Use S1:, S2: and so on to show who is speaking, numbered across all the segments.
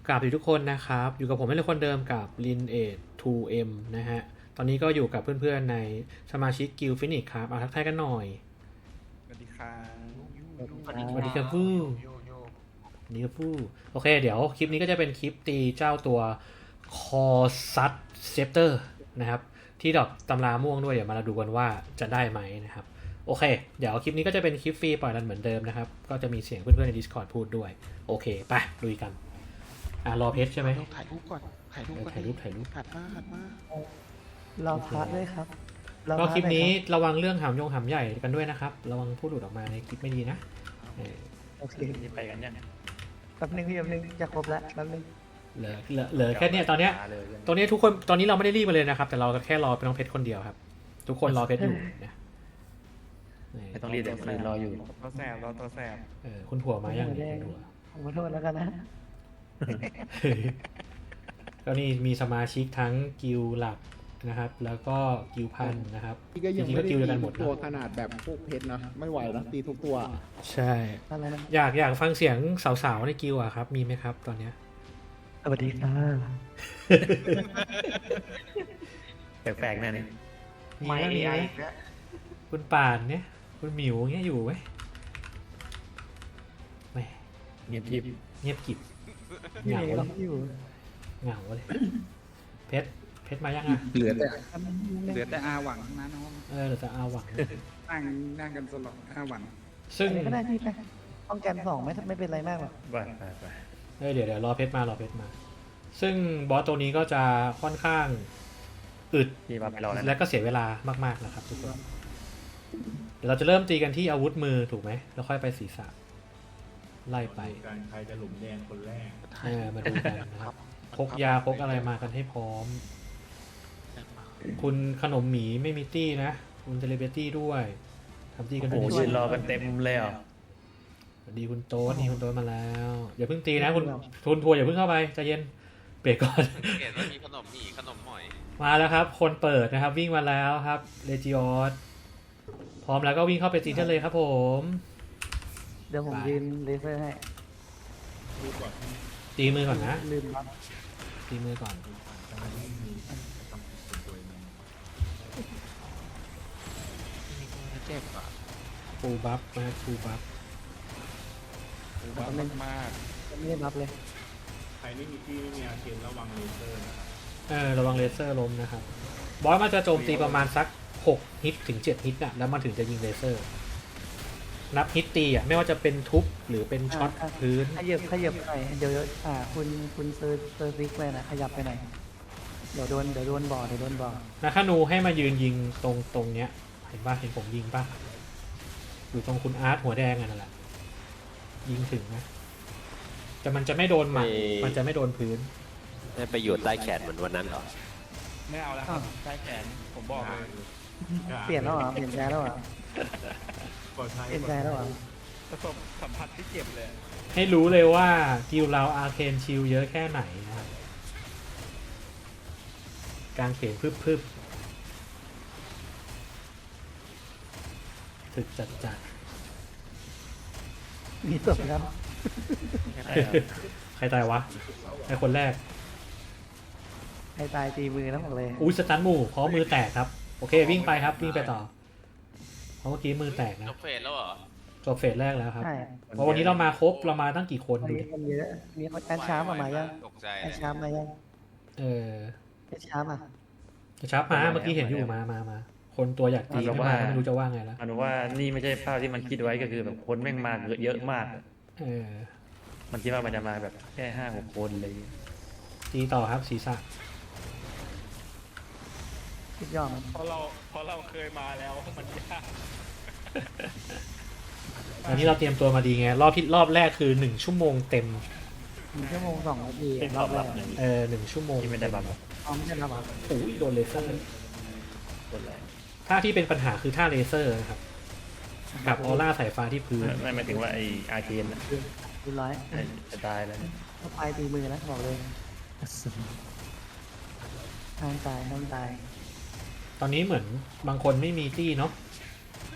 S1: กราบทุกคนนะครับอยู่กับผมเป็นคนเดิมกับ Lineage 2M นะฮะตอนนี้ก็อยู่กับเพื่อนๆในสมาชิกกิลฟินิกครับทักทายกันหน่อย
S2: สวัสดีครับ
S1: สวัสดีครับฟูสวัสดีครับฟูโอเคเดี๋ยวคลิปนี้ก็จะเป็นคลิปตีเจ้าตัวคอซัตเซปเตอร์นะครับที่ดอกตำราม่วงด้วยเดี๋ยวมาดูกันว่าจะได้ไหมนะครับโอเคเดี๋ยวคลิปนี้ก็จะเป็นคลิปฟรีปล่อยรันเหมือนเดิมนะครับก็จะมีเสียงเพื่อนๆใน Discord พูดด้วยโอเคไปลุยกันรอเพชรใช่ไหม
S2: ถ่ายรูปก่อนถ่ายรูปก่อน
S1: ถ่ายรูป
S2: หัดม
S3: รอพักด้วยครับ
S1: ก็คลิปนี้ระวังเรื่องหำใหญ่กันด้วยนะครับระวังพูดหลุดออกมาในคลิปไม่ดีนะ
S3: โอเค
S4: นี่ไปกันยัง
S3: แป๊บนึงพี่แป๊บนึงจะครบแล้วแป๊บนึง
S1: เหลือแค่เนี้ยตอนเนี้ยทุกคนตอนนี้เราไม่ได้รีบมาเลยนะครับแต่เราแค่รอเป็นน้องเพชรคนเดียวครับทุกคนรอเพชรอยู่นะ
S4: ไม่ต้องรีบเดี๋ยวคนอื่นรออยู่
S2: ตัวแสบตัวแสบ
S1: คุณถั่วมายังเนี่ยคุณถั่ว
S3: ผมขอโทษแล้วกันนะ
S1: ก็นี่มีสมาชิกทั้งกิลหลักนะครับแล้วก็กิลพันนะครับ
S5: พี่ก็ยัง
S1: จริงๆ
S5: ไม่
S1: ก็
S5: ได้
S1: กิล
S5: ตี
S1: เดียวกันหมด
S5: ตัว
S1: นะ
S5: ขนาดแบบพวกเพชรนะไม่ไหวนะตีทุกตัว
S1: ใช่
S3: อะไรนะ
S1: อยากฟังเสียงสาวๆในกิลอะครับมีไหมครับตอนเนี้ย
S3: สวัสดีค่ะ
S4: แปลกๆแน่นี่
S1: มีไหมมีไหมคุณป่านเนี่ยคุณหมิวเงี้ยอยู่ไหมแหม
S4: เงียบทิพย์
S1: เงียบกริบ
S3: พี่
S1: เหงา
S3: เมย์
S1: เล
S3: ก็
S1: ย
S3: อยู่
S1: เหงาเลยเพชรมายังอ่ะ
S5: เหลือแต่
S2: เหลือแต่อาหวังนะน้อง
S1: เหลือแต่อาหวัง
S2: นั่งกันสลบอาหวัง
S1: ซึ่ง
S3: อะไรก็ได้พี่ไปป้องกันสองไม่เป็นไรมากหรอก
S4: ไป
S1: เดี๋ยวรอเพชรมารอเพชรมา ซึ่งบอสตัวนี้ก็จะค่อนข้างอึด
S4: พี่ว่าไปรอแล้ว
S1: และก็เสียเวลามากๆนะครับทุกคนเดี๋ยวเราจะเริ่มตีกันที่อาวุธมือถูกไหมแล้วค่อยไปศีรษะไล่ไป
S6: การใครจะหลุมแดงคนแรก
S1: มาดูกันนะครับพกยาพกอะไรมากันให้พร้อม คุณขนมหมีไม่มีตี้นะ คุณเซเลบริตี้ด้วยทำตี้กัน
S4: โอ้
S1: ด้
S4: โห
S1: วย
S4: ยืนรอกันเต็มเลยอ่ะ
S1: สวัสดีคุณโต๊ดนี่คุณโต๊ดมาแล้วอย่าเพิ่งตีนะคุณทัวร์อย่าเพิ่งเข้าไปใจเย็นเบรกก่อน
S7: เห็นว่ามีขนมหมี่ขนมหอย
S1: มาแล้วครับ คนเปิดนะครับวิ่งมาแล้วครับเลจิออสพร้อมแล้วก็วิ่งเข้าไปตีได้เลยครับผม
S3: เดี๋ยวผมยืนเลเซอร์ให้
S6: ดูก่อน
S1: ตีมือก่อนนะ
S3: ลืมรับ
S1: ตีมือก่อน
S6: จะไม่มีทำเป็นตัวเอง
S2: เจ็บอ่ะ
S1: ฟูลบัฟนะฟูลบัฟ
S2: บ้ามาก
S3: ไม่ได้รับเลย
S6: ใครไม่มีที่ไม่มีอาเคนระวังเลเซอร์นะครับ
S1: ระวังเลเซอร์ล้มนะครับบอสมันจะโจมตีประมาณสัก6ฮิตถึง7ฮิตนะแล้วมันถึงจะยิงเลเซอร์นับฮิตตีอ่ะไม่ว่าจะเป็นทุบหรือเป็นช็อตพื้น
S3: ขยับหน่อยเดี๋ยวคุณเซอร์ซิกไปนะขยับไปหน่อยเดี๋ยวโดนบ่อ
S1: นะคานูให้มายืนยิงตรงเนี้ยเห็นป่ะเห็นผมยิงป่ะอยู่ตรงคุณอาร์ตหัวแดงอ่ะนั่นแหละยิงถึงนะแต่มันจะไม่โดนหมัดมันจะไม่โดนพื้น
S7: ได้ไปอยู่ใต้แขนเหมือนวันนั้นเหรอ
S2: ไม่เอาแล้วครับใต้แขนผมบอกเลย
S3: เปลี่ยนแล้วเหรอเปลี่ยนใจแล้วเหรอ
S6: ปลอดภัย
S3: เปลี่ยนใจแล้วเหรอ
S2: ประสบสัมผัสที่เจ็บเลย
S1: ให้รู้เลยว่ากิลเราอาร์เคนชิลเยอะแค่ไหนนะครับการเขียนพึบถึกจัด
S3: มีศพครับ
S1: ใครตายวะไอคนแรก
S3: ใครตายตีมือนะบอกเลย
S1: อุ้ยสตันหมู่เพราะมือแตกครับโอเควิ่งไปครับวิ่งไปต่อเพราะเมื่อกี้มือแตกนะ
S7: จบเฟสแล้วเหรอ
S1: จบเฟสแรกแล้วครับ
S3: ใช่
S1: เพราะวันนี้เรามาครบเรามาตั้งกี่คน
S3: วัน
S1: ดู
S3: นี้
S1: ดิ
S3: คนเยอะมีแอนชาร์มายัง
S7: ตกใจ
S3: แอนชาร์มายัง
S1: เออ
S3: แอนชาร์มา
S1: ชับมาเมื่อกี้เห็นอยู่มาคนตัวอยากตีไม่มาไม่รู้จะว่าไงแล้ว
S4: อนุว่านี่ไม่ใช่ภาพที่มันคิดไว้ก็คือแบบคนแม่งมาเยอะมาก
S1: เออ
S4: มันคิดว่ามันจะมาแบบแค่5-6 คนเลย
S1: ตีต่อครับศีรษะ
S3: คิดยอมมัน
S2: เพราะเราเคยมาแล้วมันยาก
S1: ตอนนี้เราเตรียมตัวมาดีไงรอบแรกคือ1ชั่วโมงเต็ม
S3: 1 ชั่วโมง 2 นาที
S4: เป็น
S3: ร
S4: ร
S3: อ
S4: อ
S3: บบ แร
S4: รั
S3: ก
S4: บหนึ่ง
S1: 1 ชั่วโมง
S4: ที่ไม่ได้บัฟ
S3: พร้อมกันแล้วเหรอ
S1: อุ้ยโดนเลเซอร์
S4: คนแรก
S1: ท่าที่เป็นปัญหาคือท่าเลเซอร์นะครับกับออร่าสายฟ้าที่พื้น
S4: ไม่หมายถึงว่าไออาเคน
S3: ดูร้อย
S4: จะตายแล้ว
S3: เข้าไปตีมือนะบอกเลยห้ามตาย
S1: ตอนนี้เหมือนบางคนไม่มีตี้เนาะ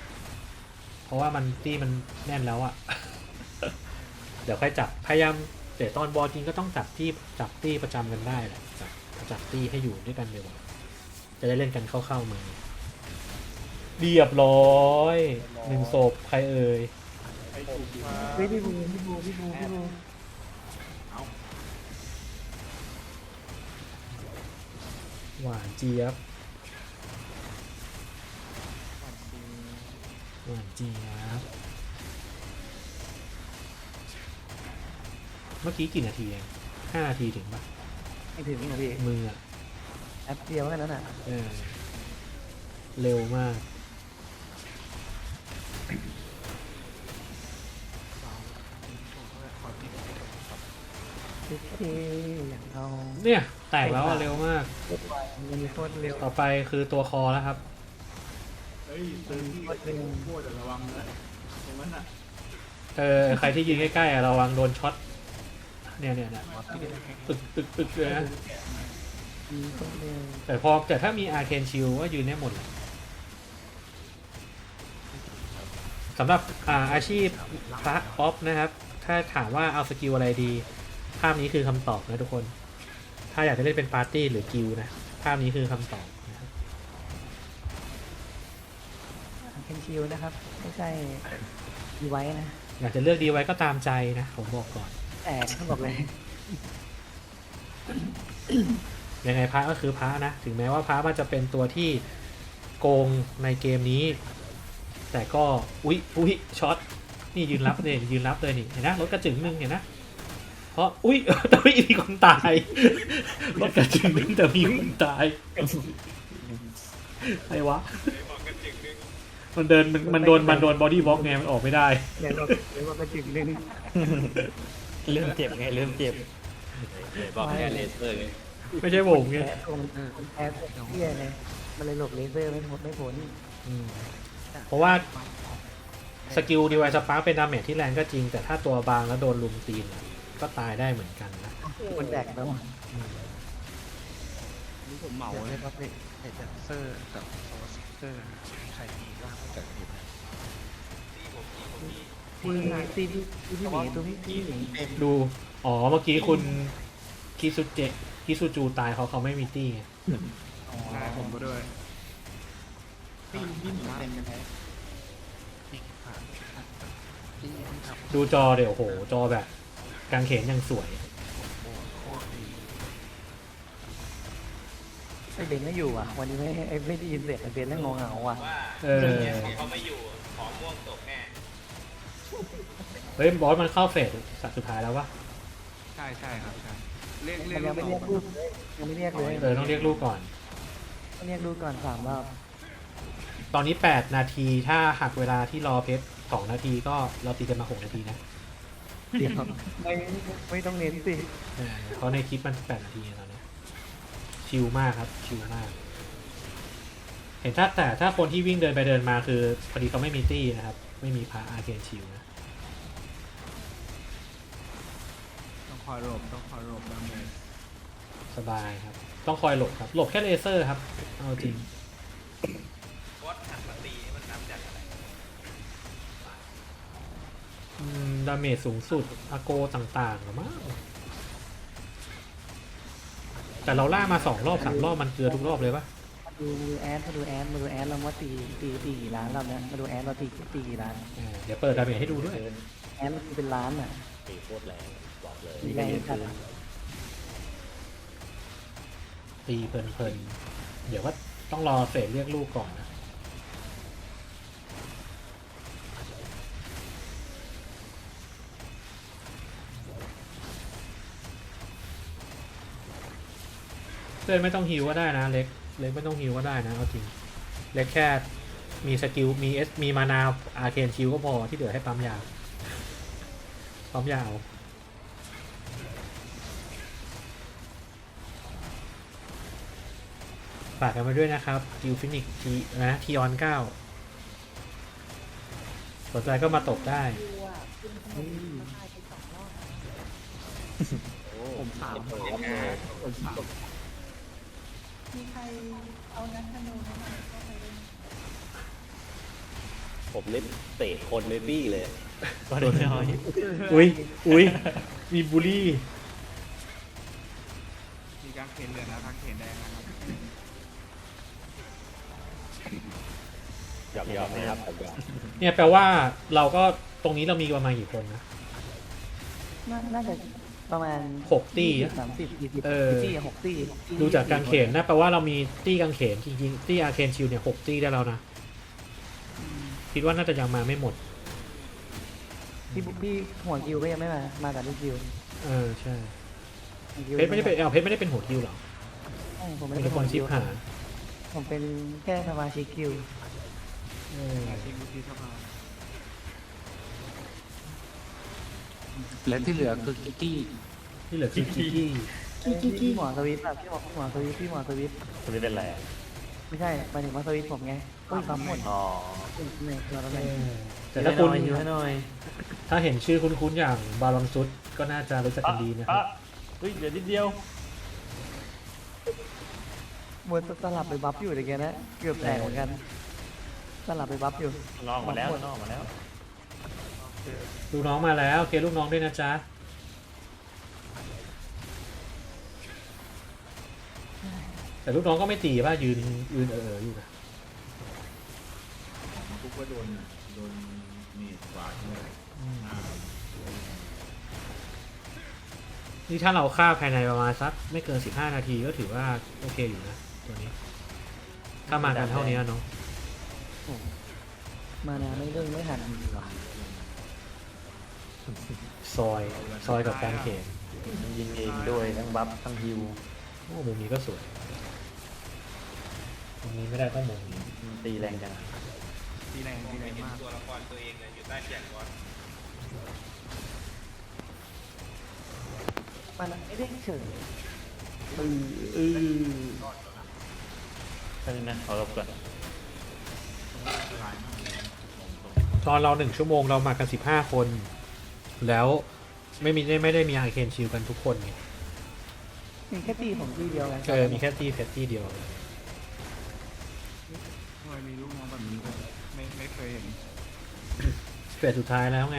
S1: เพราะว่ามันตี้มันแน่นแล้วอะ เดี๋ยวค่อยจับพยายามแต่ตอนบอลจริงก็ต้องจับตี้ประจำกันได้แหละจับตี้ให้อยู่ด้วยกันเดี๋ยวาจะได้เล่นกันเข้ามาเรียบร้อย1 ศพใครเอ่ย
S6: ไอ้ถูกดี
S3: เฮ้ยพี่บู
S1: หวานเจี๊ยบหวานเจี๊ยบเมื่อกี้กี่นาทีเอง5 นาทีถึงปะ
S3: ไม่ถึงนี่นะพี่
S1: มืออะ
S3: แอปเดียวแค่นั้นอ่ะ
S1: เร็วมาก
S3: โอเคอย่างเรา
S1: เนี่ยแตกแล้วอะเร็วมาก
S3: มันมีโคตรเร็ว
S1: ต่อไปคือตัวคอแล้วครับ
S6: เฮ้ยเซิร์ฟที่โคตรระวังนะตรงนั้นอ่ะ
S1: ใครที่ยืนใกล้ๆอะระวังโดนช็อตเนี่ยตึกเลยนะ
S3: มีโคตรเร็ว
S1: แต่ถ้ามีอาร์เคนชิลก็ยืนได้หมดแหละสำหรับอาชีพพระออฟนะครับ ถ้าถามว่าเอาสกิลอะไรดี ภาพนี้คือคำตอบนะทุกคน ถ้าอยากจะเล่นเป็นปาร์ตี้หรือกิลด์นะ ภาพนี้คือคำตอบนะครับ
S3: เป็นชิลนะครับ ไม่ใช่ดีไว้นะ
S1: อยากจะเลือกดีไว้ก็ตามใจนะผมบอกก่อน
S3: แต่ต้องบอกเลย
S1: ยังไงพระก็คือพระนะ ถึงแม้ว่าพระมันจะเป็นตัวที่โกงในเกมนี้ แต่ก็อุ๊ยช็อตนี่ยืนรับเนี่ยยืนรับเลยนี่เห็นนะรถกระจึงนึงเห็นนะเพราะแต่ไม่มีคนตายรถกระจึงนึงแต่มีคนตายใครวะมันโดนบอดี้บล็อกไงมันออกไม่ได้
S3: เดี๋ยวเราก็จึงนึง
S4: เริ่มเจ็บไงเริ่มเจ็บ
S7: บอกแค่เลเซอร์ไง
S1: ไม่ใช่ผมไง
S3: แพ้แพ้เที่ยเลยมันเลยหลบเลเซอร์ไม่พ้น
S1: อืมเพราะว่าสกิลดีไวสปาร์เป็นดาเมจที่แรงก็จริง แต่ถ้าตัวบางแล้วโดนลุมตีนก็ตายได้เหมือนกันนะ
S3: คนแตกแล้ว
S2: นี่ผมเหมาเลยครับเดนเซอร์กับโซซิเตอร์ใครมีบ้างจากทีม
S3: ตีพี่หมีตัวพี่หมีเป็น
S1: ดูเมื่อกี้คุณคิซูจูตายเขาไม่มีตี้ไง
S6: ใช่ผมก็ด้วย
S5: พี่หมีเป็นยังไง
S1: ดูจอเดี๋ยวโอ้โหจอแบบกางเขนยังสวย
S3: ไอเบนไม่อยู่อ่ะ วันนี้ไม่ได้ยินเสียงไอเบนแล้วงงเหงาอ่ะ
S7: เขาไม่อยู่ของม่วงตกแน่
S1: เฮ้ยบอสมันเข้าเฟสสุดท้ายแล้ววะ
S2: ใช่ครับใช่เรียก
S3: มันยังไม่เรียกลูกเลยยังไม่เรียกเลย
S1: ต้องเรียกลูกก่อน
S3: ต้องเรียกลูกก่อน3 รอบ
S1: ตอนนี้8 นาทีถ้าหักเวลาที่รอเพชร2 นาทีก็เราตีกันมา6 นาทีนะ
S3: เดี๋ยวไม่ต้องเน้นสิ
S1: เพราะในคลิปมัน8 นาทีตอนนี้ชิลมากครับชิลมาก เห็นแต่ถ้าคนที่วิ่งเดินไปเดินมาคือพอดีเขาไม่มีตี้นะครับ ไม่มีพาอาร์เคนชิลนะ
S6: ต้องคอยหลบดาเมจ
S1: สบายครับ ต้องคอยหลบครับ หลบแค่เลเซอร์ครับ เอาจริง
S7: วัดหันมาตีมันทำจากอะไร
S1: ดาเมจสูงสุดอาโกต่างๆหรือมั้งแต่เราล่ามา2 รอบ 3 รอบมันเกลือทุกรอบเลยปะ
S3: มาดูแอดเราว่าตีกี่ล้านรอบนี้มาดูแอดเราตีกี่ล้าน
S1: เดี๋ยวเปิดดาเมจให้ดูด้วย
S3: แอดเราตีเป็นล้านอ่ะ
S7: ตีโคตรแรงบอกเลย
S3: แรงจัด
S1: ตีเพลินๆ เดี๋ยวว่าต้องรอเฟสเรียกลูกก่อนนะ เพื่อนไม่ต้องฮิวก็ได้นะเล็กไม่ต้องฮิวก็ได้นะเอาจริงเล็กแค่มีสกิลมีมานาอาร์เคนชิลก็พอที่เหลือให้ปั๊มยาวฝากกันมาด้วยนะครับกิลฟินิกทีออน9สนใจก็มาตกได้
S5: ผมถาม
S8: มีใครเอานักธนูมาก็ไปเล่นผมเล่นเตะคนในตี้เลย
S4: ก็โดนน้อย
S1: อุ้ยอุ้ยมีบูลลี่
S6: มีการเขนเหลืองนะทางเขนแดงนะครับ
S8: หยอกๆนะครับหยอก
S1: เนี่ยแปลว่าเราก็ตรงนี้เรามีประมาณกี่คนนะ
S3: น่าจะประมาณ
S1: 6 ตี้อะ
S3: 30-40
S1: เออ
S3: ตี้6 ตี้
S1: ดูจากกางเขนนะแปลว่าเรามีตี้กางเขนจริงๆตี้อาร์เคนชิลเนี่ย6 ตี้ได้แล้วนะ คิดว่าน่าจะยังมาไม่หมด
S3: พี่หัวคิวก็ยังไม่มากับลูกคิว
S1: เออใช่
S3: หัวคิว
S1: เพชรไม่ได้เป็นเพชรไม่ได้เป็นหัวคิวหรอ
S3: ใช่ผมไม่
S1: เป็น
S3: ได้
S1: คนชิปหา
S3: ผมเป็นแค่สมาชิกคิว
S6: ทีมวุฒิสภา
S2: และที่เหลือคือกิกกี้
S1: ที่เหลือคือกิกกี้
S3: พี่หมอสวิตแบบพี่หมอสวิต
S4: คนนี้เป็นไรอะ
S3: ไม่ใช่หมายถึงว่าสวิตผมไงอุ้ยปั๊มหมด
S4: อ๋อ
S3: เนี่ยตัวอะไร
S1: แต่ถ้าคุณ
S4: อยู่ให้หน่อย
S1: ถ้าเห็นชื่อคุ้นๆอย่างบาลอนซุดก็น่าจะรู้จักกันดีนะครับ
S4: เฮ้ยเดี๋ยวนิดเดียว
S3: มวยสลับไปบัฟอยู่เลยแกนะเกือบแตกเหมือนกันสลับไปบัฟอยู่
S4: ลองมาแล้วลองมาแล้ว
S1: ลูกน้องมาแล้วเคลูกน้องด้วยนะจ๊ะแต่ลูกน้องก็ไม่ตีป่ะยืนอยู่นะ
S6: ทุกก็โดนเมดกวาดเลย
S1: นี่ถ้าเราฆ่าภายในประมาณสักไม่เกิน15 นาทีก็ถือว่าโอเคอยู่นะตัวนี้ ถ้ามากันเท่านี้เนาะ
S3: มานาไม่เรื่องไม่หันดีกว่า
S1: ซอยกับการเขน
S4: ยิงเองด้วยทั้งบัฟทั้งฮิว
S1: โอ้มุมนี้ก็สวยมุมนี้ไม่ได้ต้องมุมนี้
S4: ตีแรงจัง
S6: ทีแรง
S7: มอง
S6: ทีแร
S7: ไม่
S6: ง
S7: เห็น
S6: มาก
S7: ตัวละครตัวเองเลยอยู่ใต้เสียงก่อน
S3: มานาไม่ได้เฉย
S4: แค่นี้นะเอาลบก่อน
S1: ตอนเรา1 ชั่วโมงเรามากัน15 คน แล้วไม่ได้มีอาร์เคนชิลกันทุกคนไง
S3: มีแค่ตีผมตีเดียวไง
S1: มีแค่ตี้เพชรตี้เดียว
S6: ทำไมมีลูกน้องแบบนี้ไม่เคยเห็น
S1: เฟสสุดท้ายแล้วไง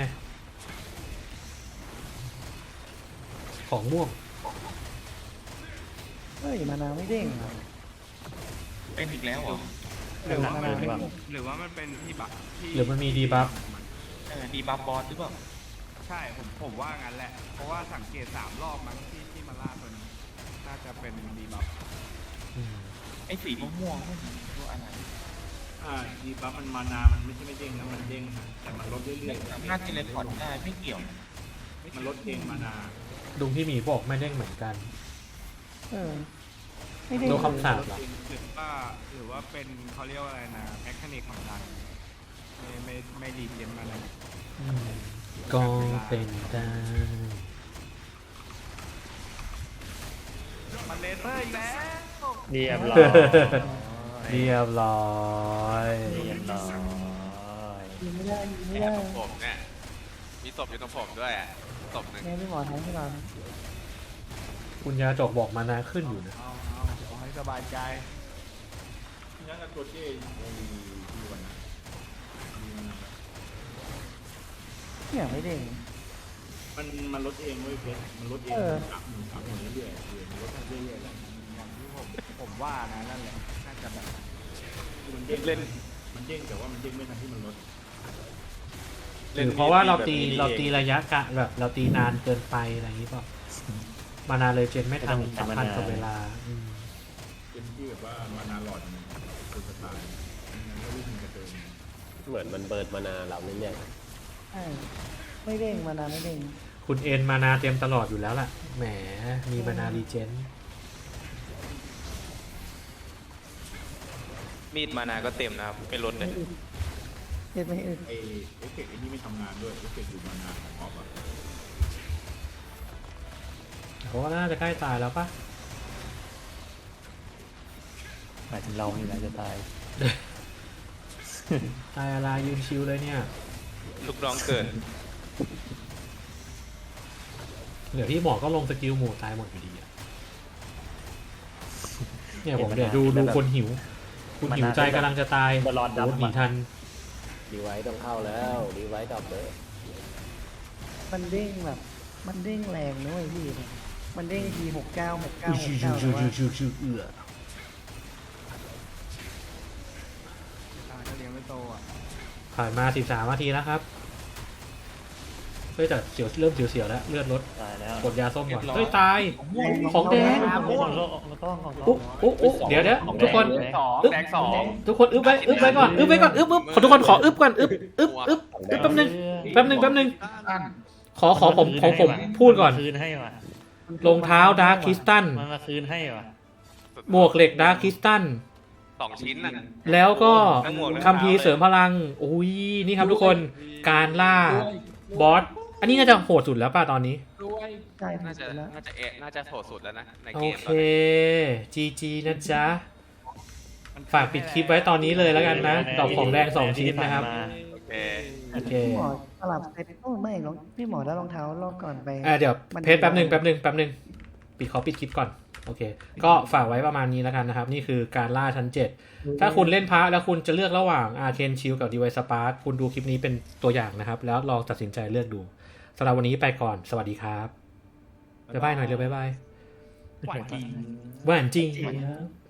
S1: ของม่วง
S3: เฮ้ยมานาไม่เด้งเหรอ
S5: เป็นอีกแล้วเหรอ
S6: หรือว่า
S3: มา
S6: มั
S3: นาน ไม่
S6: เป็น
S3: เด้ง
S6: หรือว่ามันเป็นที่บัฟที่
S1: หรือมันมีดีบัฟ
S5: ดีบัฟบอสหรือเปล่า
S6: ใช่ผมว่างั้นแหละ เพราะว่าสังเกต3 รอบมั้งที่มาล่าตัวนี้น่าจะเป็นดีบัฟ
S5: ไอ้สีม่วงๆนั่นตัวอะไร
S6: ดีบัฟมันมานามันไม่ใช่ไม่เด้งนะมันเด้งนะแต่มันลดเรื่อยๆ
S5: น่าจะเลพอร์ตได้ไม่เกี่ยว
S6: มันลดเองมานา
S1: ลุงที่หมีบอกไม่เด้งเหมือนกัน
S3: เออไม่เด้ง
S1: โดนคำสาป
S6: หรือว่าเป็นเขาเรียกว่าอะไรนะแมคานิกของดังไม่รีเจนมานะ
S1: ก็เป็นได้
S6: มันเลเซอร์อีกแล้ว
S4: เรียบร้อย
S1: เรียบร้อย
S4: เรียบร้อย
S3: ยิงไม่ได้ยิงไม่
S7: แอ
S3: ได้
S7: บของผมเนี่ยมีศพอยู่ตรงผมด้วยอ่ะศพหนึ่ง
S3: ไงพี่หมอทั้งที่เรา
S1: คุณยาจกบอกมานาขึ้นอยู่นะ
S6: เอาให้สบายใจงั้นก็ตัวเจ้ที่วันนะ
S3: เนี่ยไม่เด้ง
S6: มันลดเองเว้ยเพชรมันลดเอง
S3: เออ
S6: สามเรื่อยๆมันลดเรื่อยๆแล้วอย่างที่ผมว่านะนั่นแหละน่าจะแบบมันเด้งมันเด้งแต่ว่ามันเด้งไม่ทันที่มันลด
S1: หรือเพราะว่าเราตีระยะกะแบบเราตีนานเกินไปอะไรอย่างนี้เปล่ามานาเลยเจนไม่ทันสัมพันธ์กับเวลา
S6: เป็นที่แบบว่ามานาหลอดมันคือสไตล์งั้นก็วิ่งกระเดิน
S8: เหมือนมันเบิร์ดมานาเราเนี่ย
S3: ใช่ไม่เด้งมานาไม่เด้ง
S1: คุณเอ็นมานาเต็มตลอดอยู่แล้วล่ะ แหม มีมานารีเจน
S7: มีดมานาก็เต็มนะครับไม่ลดเลย
S3: เด็ดไม่อึด
S6: ไอเอฟเฟกต์ไอ้นี่ไม่ทำงานด้วยเอฟเฟกต์อยู่มานาของออฟอะ
S1: เพราะว่าน่าจะใกล้ตายแล้วปะ
S4: หมายถึงเรานี่แหละจะตาย
S1: ตายอะไรยืนชิวเลยเนี่ย
S7: ลูกน้องเกิน
S1: เดี๋ยวพี่หมอก็ลงสกิลหมู่ตายหมดอยู่ดีอะเนี่ยผมเดี๋ยวดูคนหิว คุณหิวใจกำลังจะตาย
S4: บอลลอน
S1: โอ้
S4: ดำ
S1: หนีทัน
S8: ดีไว้ต้องเข้าแล้วดีไว้ดอกเลย
S3: มันเด้งแบบ มันเด้งแรงนะเว้ยพี่มันเด้งที69 69 69แต่ว่า
S6: ก็เลี้ยงไม่โตอ่ะ
S1: ผ่านมา13นาทีแล้วครับเฮ้ยแต่เสียวเริ่มเสียวๆแล้วเลือดลด
S4: ตายแล้ว
S1: กดยาส้มก่อนเฮ้ยตายของแดง
S4: ของโลกแล้วก็ของ
S1: อุ๊เดี๋ยวทุกคน
S7: สองแดงสอง
S1: ทุกคนอึ๊บไว้ก่อนขอทุกคนขออึ๊บก่อนอึ๊บแป๊บนึงขอผมพูดก่อน
S4: คืนให้ว่ะ
S1: รองเท้าดาร์คคริสตัล
S4: มันมาคืนให้ว่ะ
S1: หมวกเหล็กดาร์คคริสตัล
S7: 2 ชิ้นน่ะ
S1: แล้วก็
S7: ทั้งหมวกทั้ง
S1: คัมภีร์เสริมพลังอุ้ยนี่ครับทุกคนการล่าบอสอันนี้น่าจะโหดสุดแล้วป่ะตอนนี้
S3: ใช่
S7: น่าจะ
S3: แล้ว
S7: น่าจะโหดสุดแล้วนะใน
S1: โอ
S7: เกม
S1: เค
S7: ตอนนี้
S1: GG นะจ๊ะ ฝากปิดคลิปไว้ตอนนี้เลยแล้วกันนะ ดอกของแดง2ชิ้นนะครับ
S7: โอเค
S1: โอเค
S3: พี่หมอสลับเซ็ตโอ้ไม่หรอกพี่หมอได้รองเท้ารอบก่อนไป
S1: เดี๋ยวเพจแป๊บหนึ่งปิดคลิปก่อนโอเค ก็ฝากไว้ประมาณนี้แล้วกันนะครับ นี่คือการล่าชั้น 7 ถ้าคุณเล่นพระแล้วคุณจะเลือกระหว่าง Arcane Shield กับ Divine Spark คุณดูคลิปนี้เป็นตัวอย่างนะครับ แล้วลองตัดสินใจเลือกดูสำหรับวันนี้ไปก่อนสวัสดีครับบ๊ายบายหน่อยเร็วบ๊ายบาย
S5: หวานจริง
S1: หวานจริง